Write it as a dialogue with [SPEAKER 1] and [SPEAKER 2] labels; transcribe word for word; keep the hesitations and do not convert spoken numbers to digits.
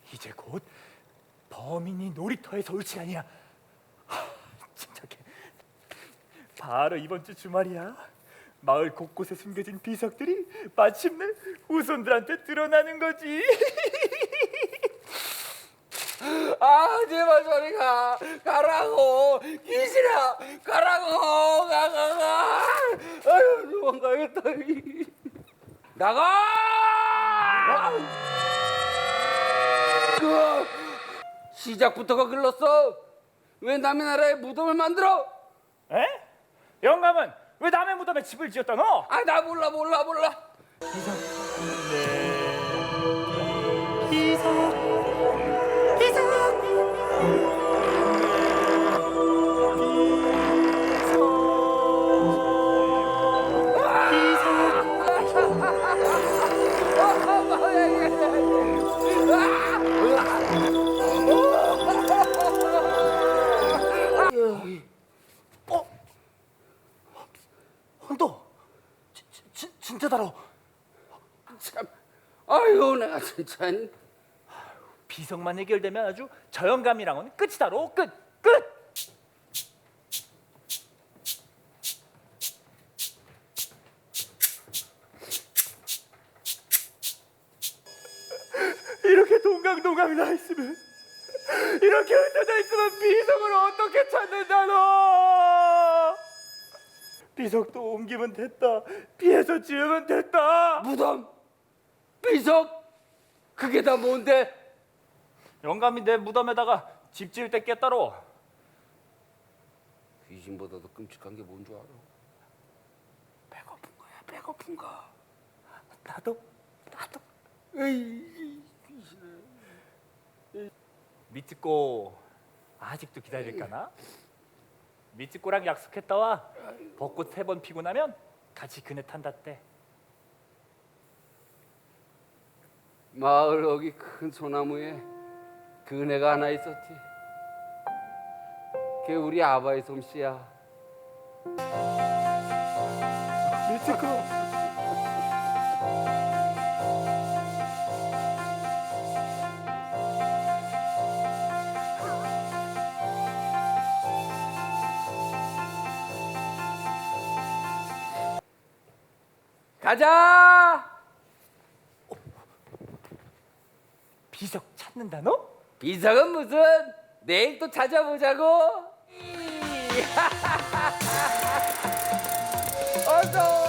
[SPEAKER 1] 이제 곧 범인이 놀이터에서 올 시간이야. 하, 침착해. 바로 이번 주 주말이야. 마을 곳곳에 숨겨진 비석들이 마침내 후손들한테 드러나는 거지.
[SPEAKER 2] 아 제발 저리 가 가라고 귀신아 가라고 가가가 아유 도망가겠다 나가 그 시작부터가 글렀어 왜 남의 나라에 무덤을 만들어
[SPEAKER 1] 에? 영감은 왜 남의 무덤에 집을 지었다 너?
[SPEAKER 2] 아 나 몰라 몰라 몰라
[SPEAKER 1] 비석. 네. 비석. 어? 헌터, 진짜다로.
[SPEAKER 2] 참 아유 내가 진짜
[SPEAKER 1] 비석만 해결되면 아주 저 영감이랑은 끝이다로. 끝, 끝. 이렇게 동강동강이 나 있으면, 이렇게 흩어져 있으면 비석을 어떻게 찾는다 너? 비석도 옮기면 됐다. 피해서 지으면 됐다.
[SPEAKER 2] 무덤 비석 그게 다 뭔데
[SPEAKER 1] 영감이 내 무덤에다가 집 지을 때 깼다로.
[SPEAKER 2] 귀신보다도 끔찍한 게 뭔 줄 알아 배고픈 거야 배고픈 거
[SPEAKER 1] 나도, 나도.
[SPEAKER 2] 에이 귀신아
[SPEAKER 1] 미츠코 아직도 기다릴까나? 미츠코랑 약속했다와 벚꽃 세 번 피고 나면 같이 그네 탄다때.
[SPEAKER 2] 마을 여기 큰 소나무에 그네가 하나 있었지. 그게 우리 아바의 솜씨야.
[SPEAKER 1] 미츠코.
[SPEAKER 2] 가자.
[SPEAKER 1] 비석 찾는다 너?
[SPEAKER 2] 비석은 무슨? 내일 또 찾아보자고. 어서.